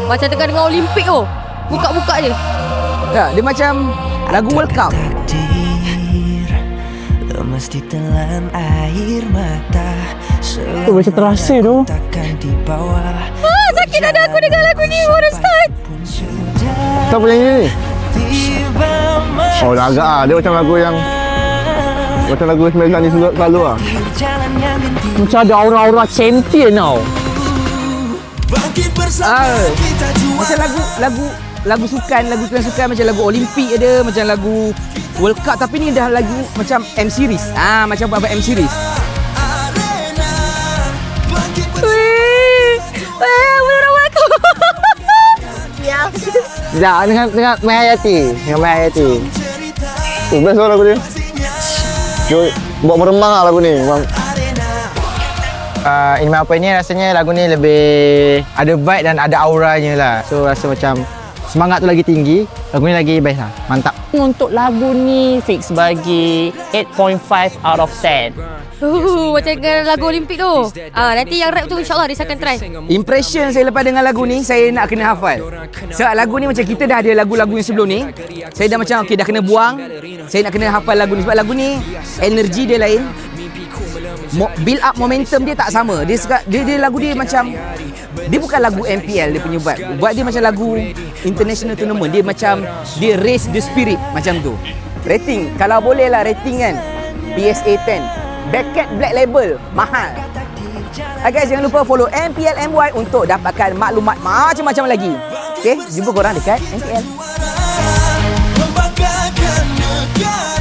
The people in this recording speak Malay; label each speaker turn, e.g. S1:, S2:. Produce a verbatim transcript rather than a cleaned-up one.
S1: Macam tengah dengar Olimpik tu. Buka-buka je.
S2: Tak, dia macam lagu World Cup.
S3: Lemas ditelan air mata.
S4: Tu macam terasa tu.
S1: Ah, sakit dada aku dengar lagu ni baru start.
S4: Siapa nyanyi ni? Oh, dah agak ah. Dia macam lagu yang macam lagu sembilan ni selalu lah. Macam ada aura-aura champion tau.
S2: Ah, macam lagu lagu lagu sukan, lagu sukan sukan macam lagu Olimpik ada, macam lagu World Cup, tapi ni dah lagu macam M series. Ah, macam apa M series.
S1: Wih. Eh, beneran aku. Ya.
S4: Sekejap, dengan, dengan Mai Hayati. Dengan Mai Hayati. Tu, best lah lagu dia. Dia buat meremang lah lagu ni. Memang. Uh, In My Opinion rasanya lagu ni lebih ada vibe dan ada auranya lah. So rasa macam semangat tu lagi tinggi. Lagu ni lagi best lah. Mantap.
S5: Untuk lagu ni fix bagi eight point five out of ten.
S1: Uh, macam dengan lagu Olimpik tu. Ah, nanti yang rap tu insyaAllah Ris akan try.
S2: Impression saya lepas dengar lagu ni, saya nak kena hafal. Sebab lagu ni macam kita dah ada lagu-lagu yang sebelum ni. Saya dah macam okey dah kena buang. Saya nak kena hafal lagu ni sebab lagu ni energi dia lain. Mo- build up momentum dia tak sama. Dia, dia dia lagu dia macam dia bukan lagu M P L dia punya vibe. Buat dia macam lagu international tournament. Dia macam dia raise the spirit macam tu. Rating kalau boleh lah rating kan P S A ten. Beckett Black Label mahal. Okay guys, jangan lupa follow M P L M Y untuk dapatkan maklumat macam-macam lagi. Okay, jumpa korang dekat M P L.